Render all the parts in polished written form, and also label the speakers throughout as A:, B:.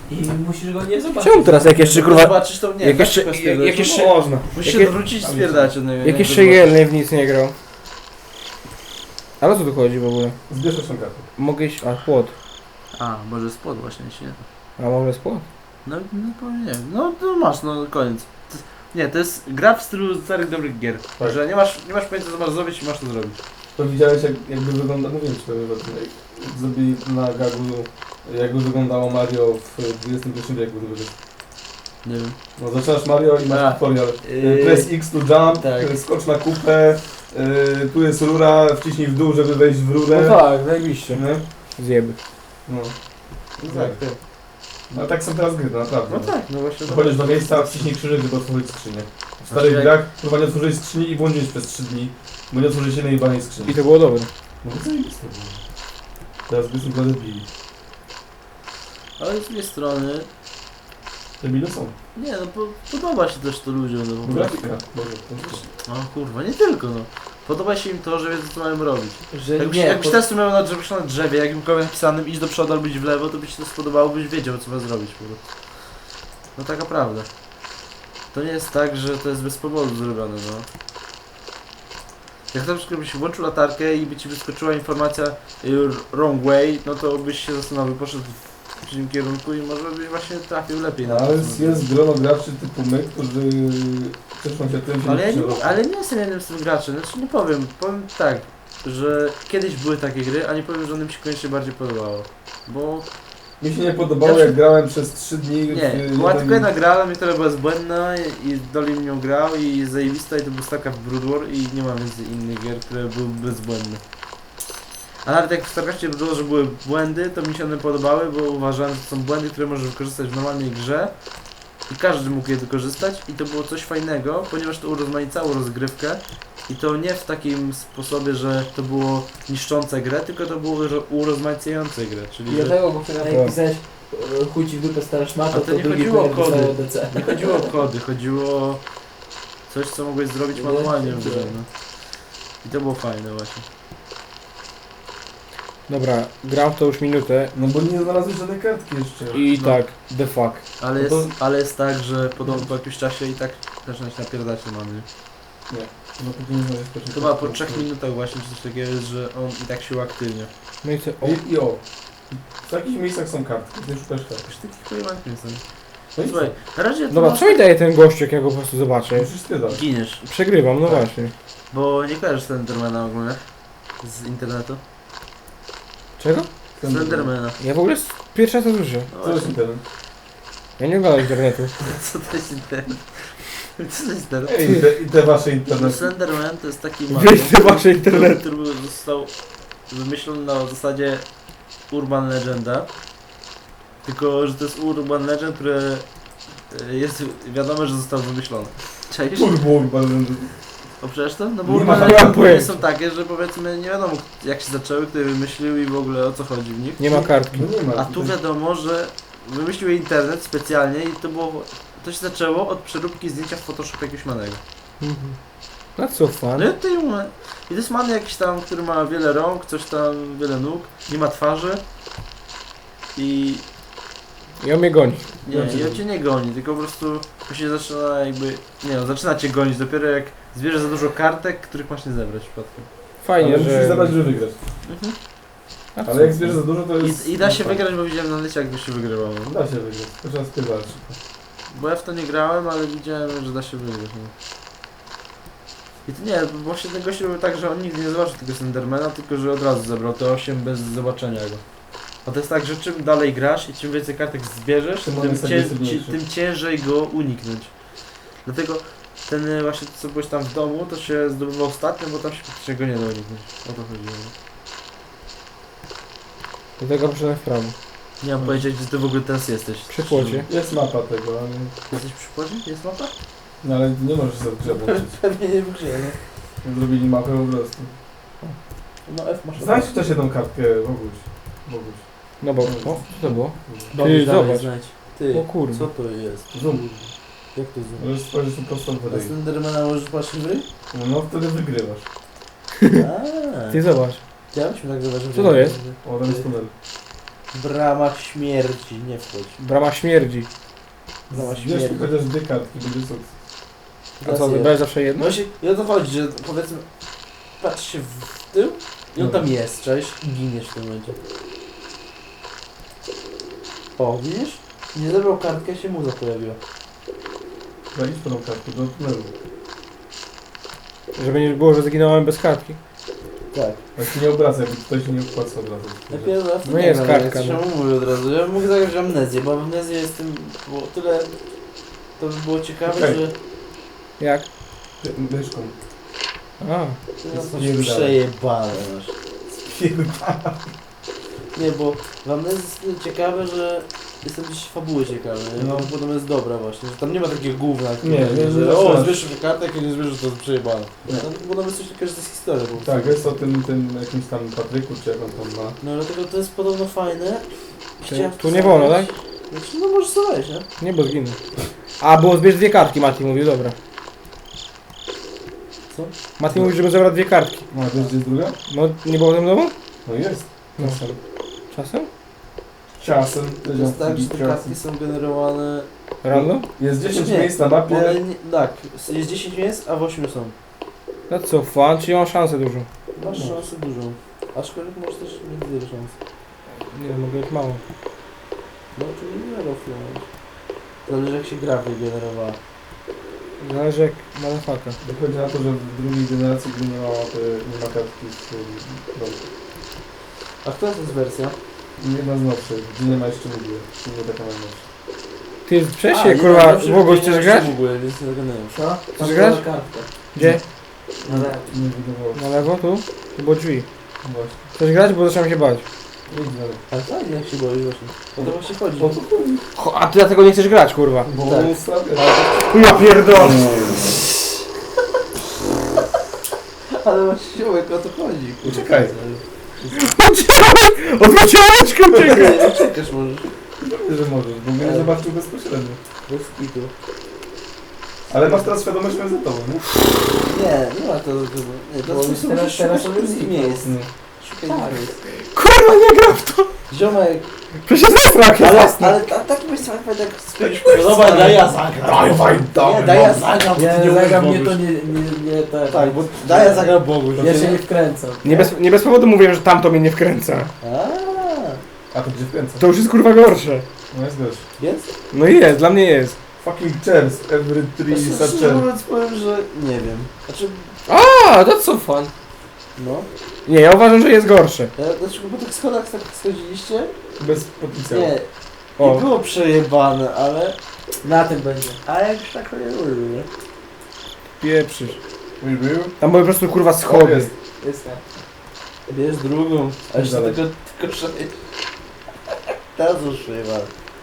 A: I musisz go nie zobaczyć.
B: Czemu teraz jak jeszcze kurwa...
C: Zobaczysz to nie,
B: Jak jeszcze... Jak jeszcze... Można.
C: musisz się wrócić i spierdać od niego.
B: Jak jeszcze Jelny w nic nie grał. Ale o co tu chodzi w ogóle?
D: Zbierz 8 kartek.
B: Mogę iść... A, płot.
C: A, może spod właśnie, jeśli nie.
B: A może jest płot?
C: No powiem, nie wiem. No to masz, no koniec. Nie, to jest gra w stylu starych dobrych gier.
D: Tak.
C: Że nie masz pojęcia co masz zrobić i masz to zrobić.
D: To widziałeś jakby wygląda, no wiem czy to zrobili na gagu, jakby wyglądało Mario w XXI wieku.
C: Nie wiem.
D: No zaczynasz Mario i masz
C: A,
D: tutorial. Press X to jump,
C: tak.
D: skocz na kupę, tu jest rura, wciśnij w dół, żeby wejść w rurę.
B: No tak, zajebiście.
D: Nie?
B: Zjeby.
D: No.
C: Tak.
D: No tak są teraz gry, naprawdę.
C: No tak, no właśnie.
D: Chodzisz do miejsca, wciśnij krzyżyk, żeby otworzyć skrzynię. W starych
C: jak-
D: grach próba nie otworzyć skrzyni i błądzić przez 3 dni, bo nie otworzyć jednej jebanej skrzyni.
B: I to było dobre.
D: No to zajebiste było. Teraz by są debili.
C: Ale z drugiej strony,
D: Debile są.
C: nie no, podoba się też to ludziom. No,
D: Bo
C: po prostu.
D: grafika. Boże,
C: No kurwa, nie tylko no. Podoba się im to, że wiedzą co mają robić.
A: Że
C: Jakbyś testu miał na drzewie, jakimkolwiek napisanym iść do przodu albo iść w lewo, to by ci to spodobało, byś wiedział co ma zrobić po prostu. No taka prawda. To nie jest tak, że to jest bez powodu zrobione, no. Jak na przykład byś włączył latarkę i by ci wyskoczyła informacja wrong way, no to byś się zastanowił, poszedł w przeciwnym kierunku i może byś właśnie trafił lepiej na
D: No, ale
C: to.
D: jest grono graczy typu my, którzy cieszą się tym, że
C: Ale nie jestem jednym z tych graczy, znaczy nie powiem tak, że kiedyś były takie gry, a nie powiem, że one mi się koniecznie bardziej podobało. Bo
D: mi się nie podobało, jak grałem przez 3 dni.
C: nie, była tylko jedna gra dla mnie, która była zbędna i Dolly w nią grał i zajebista i to był StarCraft Brood War i nie ma więcej innych gier, które były bezbłędne. A nawet jak w StarCraftie było, że były błędy, to mi się one podobały, bo uważałem, że to są błędy, które możesz wykorzystać w normalnej grze i każdy mógł je wykorzystać i to było coś fajnego, ponieważ to urozmaicało rozgrywkę i to nie w takim sposobie, że to było niszczące grę, tylko to było urozmaicające grę, czyli że
A: Dlatego, bo wtedy jak pisałeś chuj ci w dupę stara szmata,
C: A to nie
A: drugi
C: chodziło o
A: player
C: kody.
A: dostaje DC.
C: nie chodziło o kody, chodziło o coś, co mogłeś zrobić manualnie w grze, no. I to było fajne właśnie.
B: Dobra, gram w to już minutę
D: No bo nie znalazłeś żadnej kartki jeszcze.
B: i
C: No.
B: tak, the fuck.
C: Ale
D: No to-
C: jest, ale jest tak, że po jakimś czasie i tak zaczyna się napierdać to mamy.
D: Nie. No to nie znaleźć pierwszej
C: To chyba po
D: kartki.
C: 3 minutach właśnie czy coś takiego jest, że on i tak się uaktywnia.
B: No i co? O,
D: I o. W takich miejscach są kartki, ty szukasz kartki.
C: Już takich pojebanych nie jestem.
D: No i
C: Słuchaj, na razie to
B: dobra,
C: masz-
B: co mi daje ten gościu, jak ja go po prostu zobaczę?
D: musisz spiedać.
C: giniesz,
B: Przegrywam, no
D: Tak.
B: właśnie.
C: bo nie kojarzysz Slendermana ogólnie z internetu.
B: Czego?
C: Slendermana.
B: Ja w ogóle pierwszy raz to słyszę.
C: No
D: Co jest
C: właśnie,
D: internet?
B: Ja nie oglądam internetu.
C: co to jest internet? Co to jest internet?
D: Ej, i te wasze internety.
C: Slenderman to jest taki
B: Wyjdź te wasze internety.
C: który został wymyślony na zasadzie Urban Legenda. Tylko, że to jest Urban Legend, które jest wiadomo, że został wymyślony. Cześć?
D: Turbo,
C: O przecież to? No bo
D: Nie
C: Urban
D: ma
C: Legend
B: pojęcia.
C: są takie, że powiedzmy nie wiadomo jak się zaczęły, kto je wymyślił i w ogóle o co chodzi w nich.
B: Nie ma kartki.
D: No nie ma.
C: A tu wiadomo, że wymyślił je internet specjalnie i to się zaczęło od przeróbki zdjęcia w Photoshopie jakiegoś manego.
B: Mhm. That's so fun.
C: No i to jest man jakiś tam, który ma wiele rąk, coś tam, wiele nóg, nie ma twarzy i
B: I on mnie goni.
C: nie, on cię nie goni, tylko po prostu to się zaczyna jakby, nie no, zaczyna cię gonić dopiero jak zbierzesz za dużo kartek, których masz nie zebrać przypadkiem.
B: Fajnie,
D: Ale musisz
B: że...
D: zadać, że wygrasz.
B: A
D: Ale jak zbierzesz za dużo, to jest...
C: I da się
D: no,
C: wygrać, bo widziałem na lecie jak by się wygrywało.
D: Da się wygrać, to trzeba spierdalać.
C: Bo ja w to nie grałem, ale widziałem, że da się wygrać. No. I to nie, bo właśnie ten gość robił tak, że on nigdy nie zobaczył tego Slendermana, tylko że od razu zebrał te 8 bez zobaczenia go. A to jest tak, że czym dalej grasz i czym więcej kartek zbierzesz,
D: Tym on jest agresywniejszy.
C: tym ciężej go uniknąć. Dlatego ten właśnie co byłeś tam w domu, to się zdobywał ostatnio, bo tam się praktycznie go nie da uniknąć. O to chodziło.
B: Do tego poszedłem w prawo.
C: Nie mam pojęcia, gdzie ty w ogóle teraz jesteś.
B: Przy płocie.
D: Jest mapa tego, ale...
C: Jesteś przy płocie? Jest mapa?
D: No ale nie możesz sobie w grze włączyć.
A: Pewnie nie w grze, nie?
D: Zrobili mapę po prostu.
A: No F masz.
D: Znajdź też jedną kartkę, Boguś. Boguś.
B: No bo... O, co to było?
A: Dobrze,
B: Ty,
A: dalej
B: zobacz.
A: znajdź. Ty,
B: O kurde.
A: co to jest?
D: Zoom.
A: Jak to zoom?
D: Możesz spojrzeć na prostą
A: Na
D: wodę.
A: Slendermana możesz patrzeć w ry?
D: No wtedy wygrywasz.
A: Aaa.
B: Ty zobacz.
A: Chciałem się tak zobaczyć.
B: Co to jest?
D: O, tam jest tunel.
A: W ramach śmierci, nie wchodź.
B: Brama śmierdzi.
A: Brama
D: Wiesz,
A: śmierci.
D: chociaż dwie kartki, będzie sukces.
B: A co, wybrałeś zawsze jedno?
A: Właśnie, i o to chodzi, że powiedzmy, patrz się w tył i on tam jest, cześć, i giniesz w tym momencie. O, widzisz? Nie zebrał kartkę, się muza pojawiła.
D: Idź po tą kartkę do tunelu.
B: Żeby nie było, że zginąłem bez kartki.
A: Tak.
D: Tak się nie obraca, jakby ktoś się nie opłaca obracać.
A: Lepiej raz
B: No jest kartka,
A: no.
B: no.
A: Mówię od razu, ja bym mógł zagrać w amnezję, bo amnezja jest tym, bo tyle, to by było ciekawe,
D: Okej.
A: że
B: Jak?
D: Myszką.
B: A,
A: ty nas masz
D: Spierdalaj.
A: przejebane masz.
D: Spierdala.
A: Nie, bo w amnezji jest tyle ciekawe, że jestem gdzieś fabuły ciekawy, nie?
D: No.
A: No. Potem jest dobra właśnie, że tam nie ma takich gówna,
D: Nie,
A: że
D: nie,
A: o,
D: nie.
A: zbierz sobie kartę, jak nie zbierzesz, to jest przejebane.
D: Nie.
A: Tam, bo tam jest coś takiego, że to jest historia. Po prostu.
D: Tak, jest o tym jakimś tam Patryku, czy jak on tam ma.
A: No dlatego to jest podobno fajne. Chciałem
B: tu nie wolno, tak?
A: Znaczy, no możesz sobie wejść, nie?
B: nie, bo zginę. A, było zbierz dwie kartki, Mati mówił, dobra.
A: Co?
B: Mati mówił, żeby zebrać dwie kartki.
D: No, a wiesz gdzie jest druga?
B: No, nie było w tym domu?
D: No jest.
B: No.
D: Czasem.
B: Czasem?
D: Czasem.
A: To jest tak, że te kartki są generowane...
B: Random?
D: Jest 10
A: Nie,
D: miejsc na mapie.
A: One nie, tak, jest 10 miejsc, a w 8 są.
B: No co, fan, czyli mam szansę dużą.
A: Masz
D: No.
A: szansę dużą. Aczkolwiek możesz też mieć wiele szans.
B: Nie, mogę mieć mało.
A: No to nie roflować. Zależy jak się gra wygenerowała.
B: Zależy jak motherfucker.
D: Wychodzi na to, że w drugiej generacji gdy nie ma kartki z domu.
A: A która to jest wersja?
D: Jedna z nowszych, gdzie nie ma jeszcze nigdy. Nie taka najnowsza.
B: Ty, przecież
A: A,
B: się,
A: nie,
B: kurwa,
A: dobrze,
B: w ogóle
A: nie
B: chcesz
A: wiem,
B: grać?
A: w ogóle, więc nie zagadałem.
E: Co?
B: Chcesz grać?
E: Kartkę.
B: Gdzie?
E: No tak.
D: Nie wydawało się.
B: Na lewo, tu? Tu było drzwi.
D: Właśnie.
B: Chcesz grać, bo zacząłem się bać.
D: Idź dalej.
A: Ale tak, jak się boisz właśnie. O to właśnie chodzi.
D: O to chodzi.
B: A ty dlatego nie chcesz grać, kurwa.
D: Bo
A: Tak.
D: on stawia.
B: Ja pierdolę.
A: Ale właśnie o to chodzi. kurwa.
D: Uciekaj.
B: Odwróciłeczkę uciekaj.
A: Nie, uciekasz możesz.
D: Pewnie, że możesz, bo mnie nie zobaczył bezpośrednio.
A: Bez kitu.
D: Ale masz teraz świadomość, że za tobą, nie?
A: Nie, nie ma to. Nie, to
E: Bo
A: jest
E: już
A: po prostu
E: teraz
A: szukać
E: sobie
A: wszystkich
E: zniknął.
A: miejsc.
D: Nie.
A: Szukaj
E: Tak.
A: miejsc.
B: Kurwa, nie gram w to.
A: Ziomek,
B: Przecież zestrach jest
A: ale
B: jasne.
A: taki byś sam tak spędził. Dobra, daj ja zagram. Nie, daj ja zagram.
E: Nie, zagram mnie
A: Boguś.
E: to nie tak.
A: Tak, bo daj ja zagram Bogu.
E: Ja się nie wkręcam.
B: Nie bez powodu mówiłem, że tamto mnie nie wkręca.
D: A to gdzie wkręca?
B: To już jest kurwa gorsze.
D: No jest gość.
A: Jest?
B: No i jest, dla mnie jest.
D: Fucking chairs, every tree is a
A: Szczerze
D: chair.
A: mówiąc powiem, że nie wiem. Znaczy,
B: A, to co fan.
A: no.
B: Nie, ja uważam, że jest gorsze.
A: Dlaczego po tych schodach tak schodziliście?
D: Bez potencjału.
A: Nie.
B: O.
A: Nie było przejebane, ale...
E: Na tym będzie.
A: A jak już tak nie lubię, nie?
B: Pieprzysz.
D: Mój był?
B: Tam były po prostu kurwa
D: O,
B: schody.
D: jest.
E: Jest tak.
A: Bierz drugą. A jeszcze
D: Dalej.
A: tylko 6. Teraz już przejebane.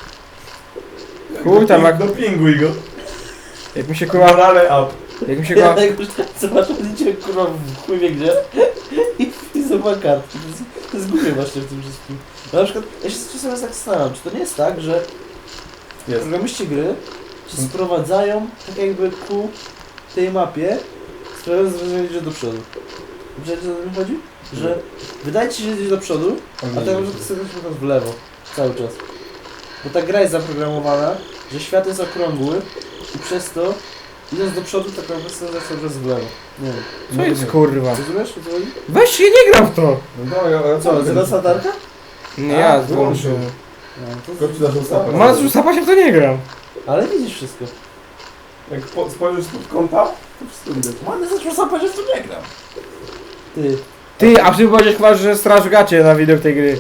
B: Chuj tam jak,
D: Dopinguj go.
B: jak mi się kurwa...
D: Morale up.
B: Jak mi się
A: Ja
B: kurwa...
A: jak już zobaczę, idzie kurwa w chuj wie gdzie i zobacz kartki. To jest głupie właśnie w tym wszystkim. No, na przykład, ja się czasem tak zastanawiam, czy to nie jest tak, że
D: Jest.
A: programiści gry cię sprowadzają tak jakby ku tej mapie, sprawiając wrażenie, że idziesz do przodu. Wiecie, o co mi chodzi? Że wydaje ci się, że idziesz do przodu, a tak naprawdę chcesz w lewo cały czas. Bo ta gra jest zaprogramowana, że świat jest okrągły i przez to idąc do przodu tak naprawdę chcesz cały czas w lewo. Nie wiem.
B: Co jest kurwa?
A: Rozumiesz, o co chodzi?
B: Weź się, nie gram w to.
D: No ale
A: Co, zgadza latarka?
B: Nie,
A: A,
B: ja
D: wyłączył.
B: wyłączyłem.
A: No,
D: Gościu zaczął sapać.
B: Ma już zapać, w to nie gram.
A: Ale widzisz wszystko.
D: Jak spojrzysz spod kąta, to wszystko widać.
A: Ładnie zaczął sapać, że w to nie gram. Ty.
B: Ty, a ty powiedziałeś chyba, że straż gacie na widok tej gry.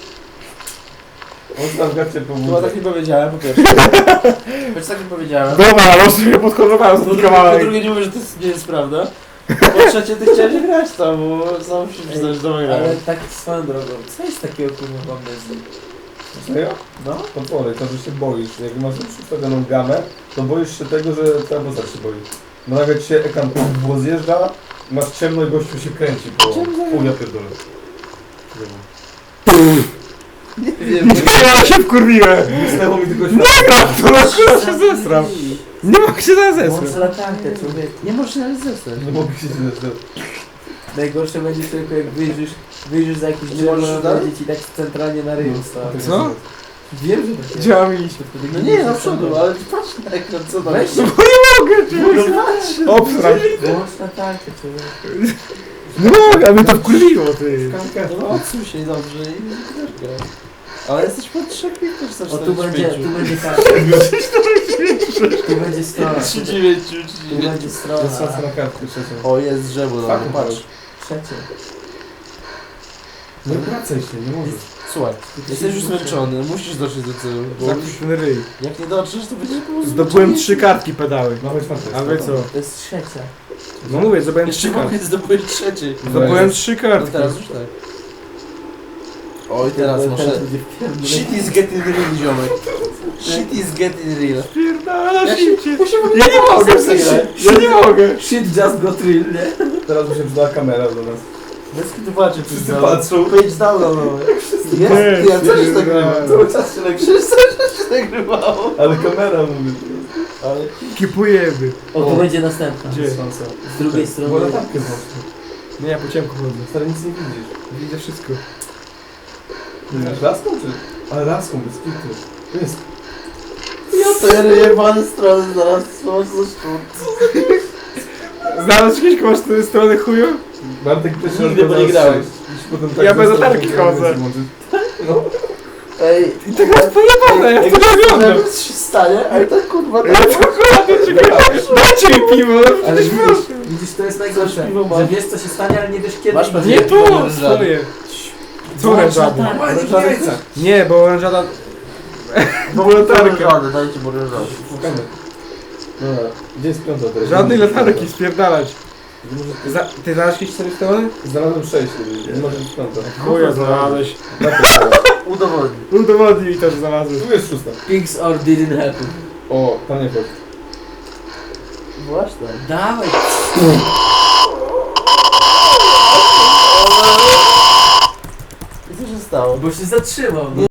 D: On tam gacie
A: Chyba
D: pomógł.
A: tak nie powiedziałem, po pierwsze. Choć tak nie powiedziałem.
B: Dobra, ale sobie podkontrolowałem
A: Po
B: z
A: drugie, po drugie nie mówię, że to nie jest prawda. Po trzecie, ty chciałeś grać tam, bo sam się przyznać, że to
E: Ale
A: grałem.
E: tak swoją drogą. Co jest takiego kurwa w amnezji?
D: Serio?
A: No.
D: Potwory, to, że się boisz. Jak masz już ustawioną gamę, to boisz się tego, że twoja postać się boi. No nagle ci się ekran było zjeżdża, masz ciemno i gościu się kręci po... Pół ja pierdolę.
A: Nie wiem.
B: Ja się wkurwiłem.
D: Wysnęło mi tylko
B: To na kurwa się zesram. Nie mogę się
E: Włącz
B: zesrać.
E: latarkę, człowiek.
A: Nie możesz nawet zostać.
D: Nie mogę się zjeżdżać.
E: Najgorsze będzie tylko jak wyjrzysz za jakieś
A: Nie
E: drzewo,
A: możesz
E: a
A: dalej?
E: będzie ci tak centralnie na ryju stał.
B: Co?
E: Wiem, że tak jest.
B: Gdzie mam iść?
A: No nie, na przodu, ale patrz na ekran, co tam
E: Weź
A: jest.
E: się,
B: Obsrać.
E: włącz na tarczę, człowiek.
B: No mogę, a mnie to wkurwiło, ty.
A: No odsuń się dobrze i też gra. Ale jesteś pod 3 też
E: O, tu będzie tarcza. Tu będzie strona.
A: 3,9,
E: Tu będzie strona.
D: Jest szansa na kartkę trzecią.
A: O, jest drzewo, no,
D: Tak,
A: patrz.
E: Trzecie.
D: Nie wracaj się, nie możesz.
A: Słuchaj, jesteś już zmęczony, musisz dotrzeć do celu, bo
B: Zamknij ten ryj.
A: jak nie dotrzesz, to będziesz po prostu
B: Zdobyłem
A: zmęczony.
B: 3 kartki pedały.
D: Dawaj czwartą.
B: A wy co?
E: To jest trzecia.
B: No mówię, zdobyłem 3
A: Jeszcze
B: kartki.
A: mogę zdobyć trzeciej.
B: Zdobyłem 3
A: No
B: kartki.
A: teraz już tak. Oj, teraz muszę...
E: będzie wpierdolone.
A: Shit is getting real, ziomek. Shit is getting real.
B: Pierdala
A: Ja
B: się.
A: się
B: Ja nie mogę, w sensie. Ja nie mogę.
E: Shit just got real, nie?
D: Teraz by się przydała kamera do nas.
A: Bez kitu patrzę,
D: Wszyscy patrzą.
A: Page down, no. Jest?
B: Nie,
A: Ja coś
B: nie,
A: nagrywa.
B: nie.
A: Cały czas się nagrywa. Cały czas się nagrywało.
D: Ale kamera mówi.
A: Ale...
B: Kipujemy.
E: O, tu będzie następna.
B: Gdzie?
D: Szansa.
E: Z drugiej
D: Bo
E: strony.
D: latarkę włączę.
B: Nie, ja po ciemku chodzę.
D: Stary, nic nie widzisz.
B: Widzę wszystko.
D: Widzisz laską czy? Ale laską, bez kitu. To jest.
A: Ja to jebane strony zaraz są ze szczur.
B: Znalazł jakieś koło z tej strony chuju?
D: Bartek pierwszy
A: Nigdy
D: raz
A: bo
D: go
A: nie grałem.
D: znalazł sześć. I potem tak
B: Ja bez
D: został,
B: latarki
D: że
B: chodzę.
D: nie włączyć. No.
A: Ej,
B: I tak jest pojebane, ja w to nie oglądam.
A: coś się stanie, ale tak kurwa...
B: Ja to kurde, czekaj. Dajcie mi piwo, no
E: Ale
B: przecież proszę.
E: widzisz, to jest najgorsze,
A: piwo mam.
E: że wiesz co się stanie, ale nie wiesz kiedy.
A: Masz pewnie-
B: Nie tu, stoję. Co
E: Włącz
B: orężada?
E: latarkę.
D: Orężada.
B: Nie, bo orężada...
A: Bo
B: latarka.
A: Dajcie mu ryżadę.
D: Szukamy. Dobra, gdzie jest piąta teraz?
B: Żadnej latarki, spierdalać. Ty znalazłeś jakieś 4 strony?
D: Znalazłem 6, nie może być piąta.
B: Chuja znalazłeś.
A: Udowodnij.
B: Udowodnij mi to, że znalazłeś.
D: Tu jest szósta.
E: Pigs or didn't happen.
D: O, tam nie chodź.
A: Właśnie.
E: Dawaj.
A: I co się stało?
E: Bo się zatrzymał. No.